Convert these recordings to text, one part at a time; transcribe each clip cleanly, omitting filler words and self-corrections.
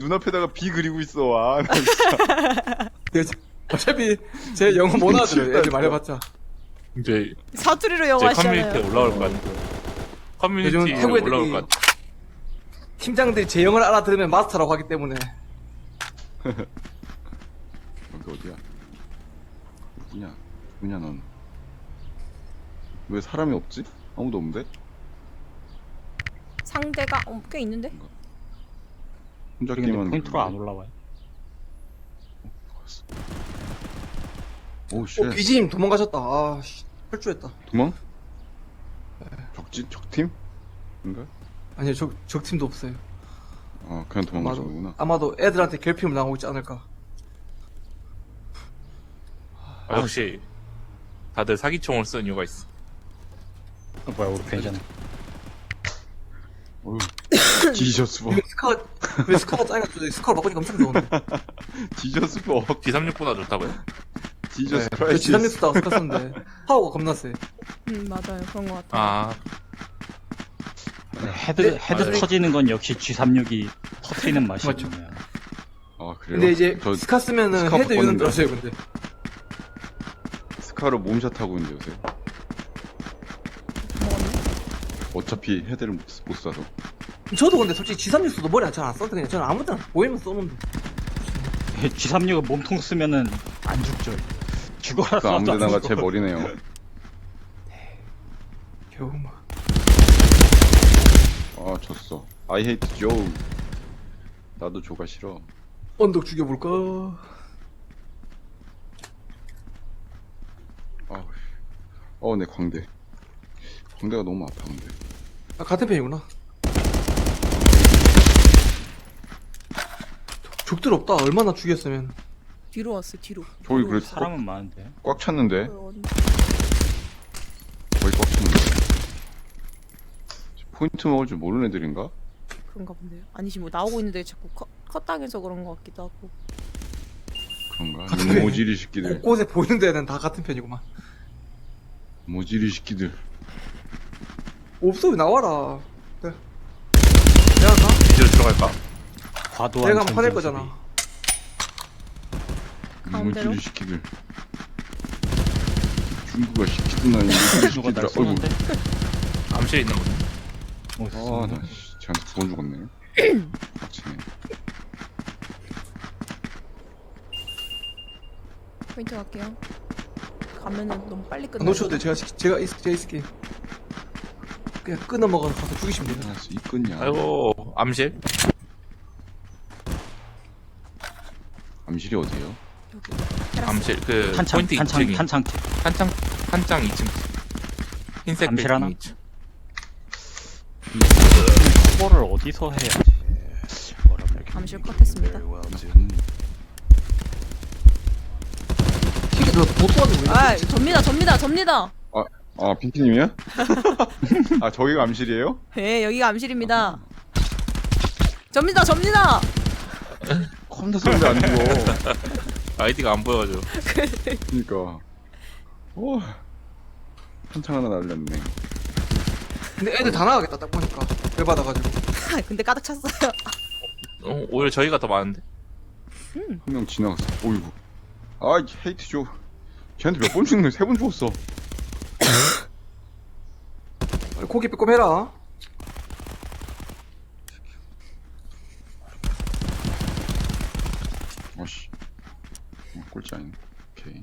눈앞에다가 비 그리고 있어. 아, 나 진짜. 어차피 제 영어 못 알아들어요. 애들 말해봤자. 이제 사투리로 제 영어 커뮤니티에 하시잖아요. 올라올 것 같아. 요즘 커뮤니티에 태국 올라올 애들이 것 같아. 팀장들이 제 영어를 알아들으면 마스터라고 하기 때문에. 여기 어디야? 누구냐? 누구냐 넌? 왜 사람이 없지? 아무도 없는데? 상대가 꽤 있는데? 혼자 근데 게임하는 포인트로 안 올라와요. 오우 쉣. 비지님 도망가셨다. 아, 씨. 탈주했다. 도망? 적팀? 인가? 아니요, 적팀도 없어요. 아 그냥 도망가셨구나. 아마도 애들한테 괴롭힘을 당하고 있지 않을까. 아, 역시 다들 사기총을 쓴 이유가 있어. 뭐야, 우리 괜찮아. 어휴. 지저스 버. 왜 스카가 짜여가지고 스카를 바꾸니까 엄청 좋은데. 지저스 버. D36보다 좋다고요? 지저스 저 크라이시스. 지상에서 스카 썼는데 파워가 겁나 세. 맞아요. 그런 것 같아요. 아, 헤드 맞아요. 터지는 건 역시 G36이 터트리는 맛이 맞죠. 있네요. 아 그래요? 근데 이제 저 스카 쓰면은 스카 헤드 유는 바꿨는데. 들었어요. 근데 스카로 몸샷 하고 있는데 요새. 먹었네. 어차피 헤드를 못 쏴서. 저도 근데 솔직히 G36 써도 머리 잘 안 써도 그냥 저는 아무 데나 보이면 쏘는데. G36은 몸통 쓰면은 안 죽죠. 죽어라 그 아무 쏴도 안 데나가 죽어. 제 머리네요. 겨우 막. 아 졌어. I hate Joe. 나도 조가 싫어. 언덕 죽여볼까? 내 광대. 광대가 너무 아파 근데. 아, 같은 편이구나. 적들 없다. 얼마나 죽였으면. 뒤로 왔어. 뒤로. 저기 그래도 사람은 많은데. 꽉 찼는데. 어디- 거의 꽉 찼는데. 포인트 먹을 줄 모르는 애들인가? 그런가 본데요. 아니지 뭐 나오고 있는데 자꾸 컷당해서 그런 것 같기도 하고. 그런가? 같은 이 모지리 새끼들. 곳곳에 보이는 데는 다 같은 편이구만. 모지리 새끼들. 없어, 왜 나와라. 내가 가? 이제 들어갈까? 과도한 내가 하면 화낼 전진 거잖아. 가운데로? 모지리 새끼들. 중국어 시키든 아니 모지리 누가 날 새끼들아. 쏘는데? 암시에 있는 거지. 어, 나 쟤한테 두 번 죽었네. 빡치네. 포인트 갈게요. 가면은 너무 빨리 끝나. 안 놓쳐도 돼. 제가 있을게. 그냥 끊어 먹어서 가서 죽이시면 돼요. 아, 이 끈냐? 아이고, 암실? 암실이 어디에요? 여기. 테라스. 암실, 그, 탄창, 포인트 탄창, 2층이. 탄창집. 탄창 2층. 흰색 암실 빌딩 하나? 2층. 커버를 어디서 해야지? 암실 컷했습니다. 킥이 너 도와주고 있는 아, 접니다. 아, 핑키님이야? 아, 저기가 암실이에요? 네, 여기가 암실입니다. 접니다. 컴퓨터 소리도 안 죽어. 아이디가 안 보여가지고. 그니까. 한창 하나 날렸네. 근데 애들 다 나가겠다, 딱 보니까. 열받아가지고. 근데 가득 찼어요. 오히려 저희가 더 많은데? 한 명 지나갔어. 어이구. 아, 헤이트 줘. 쟤한테 몇 번 죽네? 3번 죽었어. 고기 빼꼼 해라. 어씨. 꼴찌 아니네. 오케이.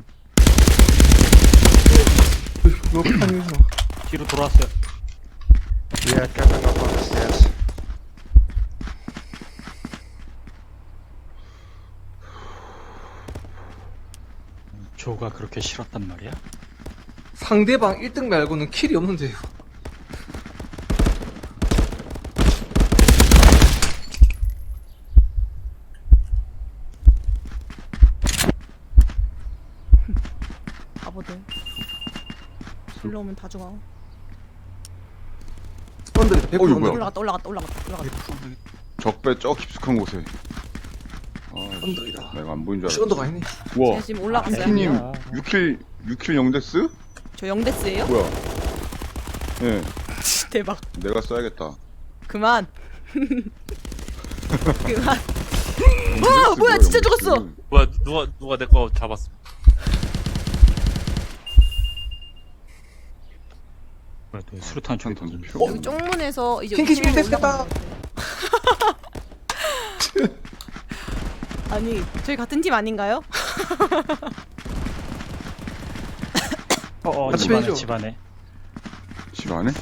너 판이지 마. 뒤로 돌아왔어요. Yeah, coming up on the stairs. 조가 그렇게 싫었단 말이야? 상대방 1등 말고는 킬이 없는데요. 바보들. 불러오면 다 죽어. 언덕에 100% 어이, 언덕. 뭐야. 올라갔다. 적배 저 깊숙한 곳에. 아, 언덕이다. 내가 안 보인 줄 혹시 언덕 알았어. 아니네. 우와. 제가 지금 올라갔어요. 핑키님, 아니야. 6킬 영데스? 저 영데스예요? 뭐야? 예, 대박. 내가 써야겠다. 그만. 그만. 뭐야, 진짜 죽었어. 뭐야, 누가 내 거 잡았어. 뭐야, 또 수류탄 총이 던질 던져. 필요가 여기 없네. 쪽문에서 이제 핑키 2층으로 됐다. 올라가면 돼. 아니, 저희 같은 팀 아닌가요? 어어, 같이 집안에, 해줘. 집안에. 집 안에?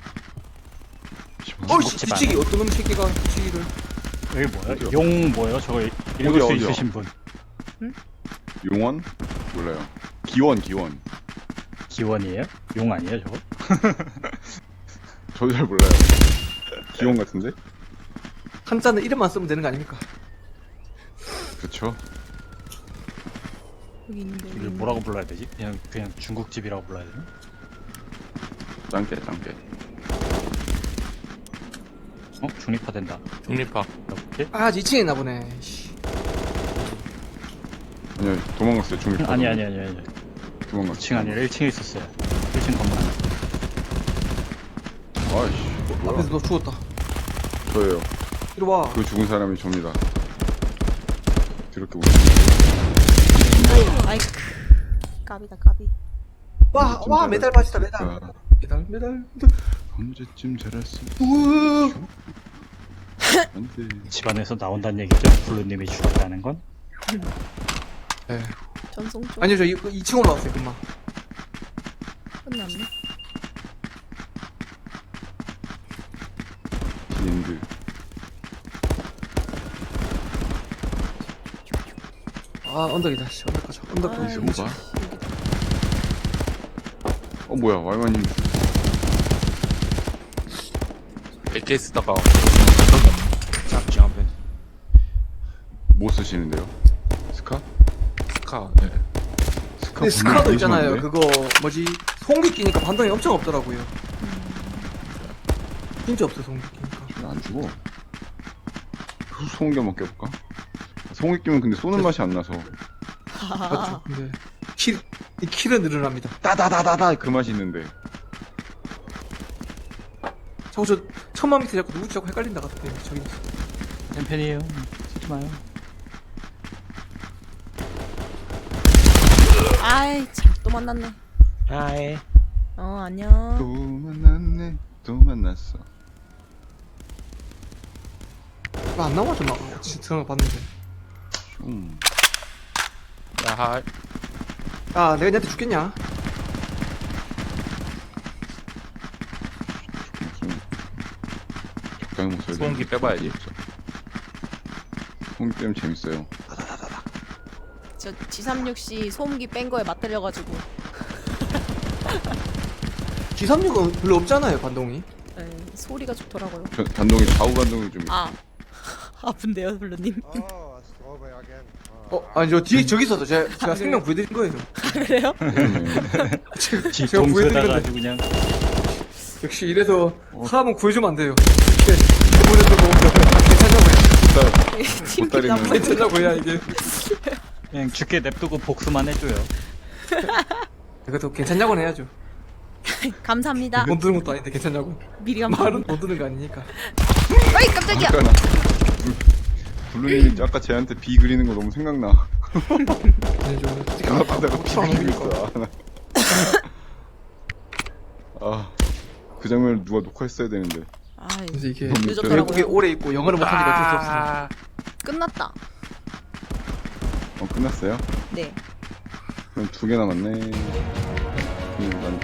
집 안에? 어이씨 집안. 뒤치기 어떤 놈 새끼가 뒤치기를. 여기 뭐야? 어디요? 용 뭐예요? 저거 읽을 수 어디요? 있으신 분. 용원? 몰라요. 기원. 기원이에요? 용 아니에요, 저거? 저도 잘 몰라요. 기원 같은데? 한자는 이름만 쓰면 되는 거 아닙니까? 그쵸? 여기 있는데. 여기 이걸 있는데. 뭐라고 불러야 되지? 그냥 중국집이라고 불러야 되나? 짱깨. 어? 중립화된다. 중립파. 이렇게? 아 2층에 있나 보네. 씨. 아니요, 도망갔어요, 중립. 아니. 도망갔어요. 2층 아니라 1층에 있었어요. 1층 건물 안에. 아이씨, 뭐야. 앞에서 너 죽었다. 저예요. 이리 와. 그 죽은 사람이 접니다. 그렇게 아이쿠. 까비다, 까비. 와 메달 받이다 메달. 메달. 언제쯤 잘할 수 우와. 안돼. 집안에서 나온다는 얘기죠? 블루님이 죽었다는 건? 네. 전송 쪽 아니요 저 2층 올라왔어요 금방. 끝났네. 비엔드. 아 언덕이다. 씨 언덕 가자. 언덕 아, 가자. 여기 봐. 뭐야, 왈마님. AK 쓰다가 잡지 않으면 뭐 쓰시는데요? 스카? 스카. 네. 스카 근데 스카도 있잖아요. 그... 그거 뭐지 송기 끼니까 반동이 엄청 없더라고요. 진짜 없어 송기 끼니까. 안 죽어. 소음기 한번 껴볼까? 소음기 끼면 근데 쏘는 맛이 안 나서 맞죠? 근데 이 킬은 늘어납니다. 따다다다다 그 맛이 있는데. 자꾸 저 천만 밑에 자꾸 누구지 자꾸 헷갈린다 같은데 저기. 챔팬이에요. 쓰지 마요. 아이, 참, 또 만났네. 하이. 안녕. 또 만났네. 또 만났어. 왜 안 나와 좀 막. 진짜 봤는데. 슝. 야하. 아 내가 얘한테 죽겠냐? 적당히 못 써야 돼. 소음기 빼봐야지. 소음기 빼면 재밌어요. 저 G36C 소음기 뺀 거에 맞들려가지고. G36은 별로 없잖아요 반동이. 네, 소리가 좋더라고요. 반동이 좌우 반동이 좀. 아. 아픈데요, 블루님. Oh, it's over again. 아니 저 뒤에 저기 있어서 제가 생명 구해드린 거예요. 그래요? 제가 동수에다가 구해드린 아주 그냥 역시 이래서 사람은 구해주면 안 돼요. 이렇게 보내도 괜찮냐고 팀 보따리는- 나쁜 해야 괜찮냐고 해야 이게. 그냥 죽게 냅두고 복수만 해줘요. 그래도 괜찮냐고는 해야죠. 감사합니다. 못 드는 것도 아닌데 괜찮냐고. 미리 말은 감사합니다. 못 드는 거 아니니까. 어이, 깜짝이야. 아까 블루님이 아까 쟤한테 비 그리는 거 너무 생각나. 앞에다가 비 그리고 있어. 그 장면을 누가 녹화했어야 되는데. 아이, 그래서 이게 늦었더라고요. 외국에 오래 있고 영어를 못하니까 어쩔 수 없어. 끝났다. 끝났어요? 네. 그럼 2개 남았네. 난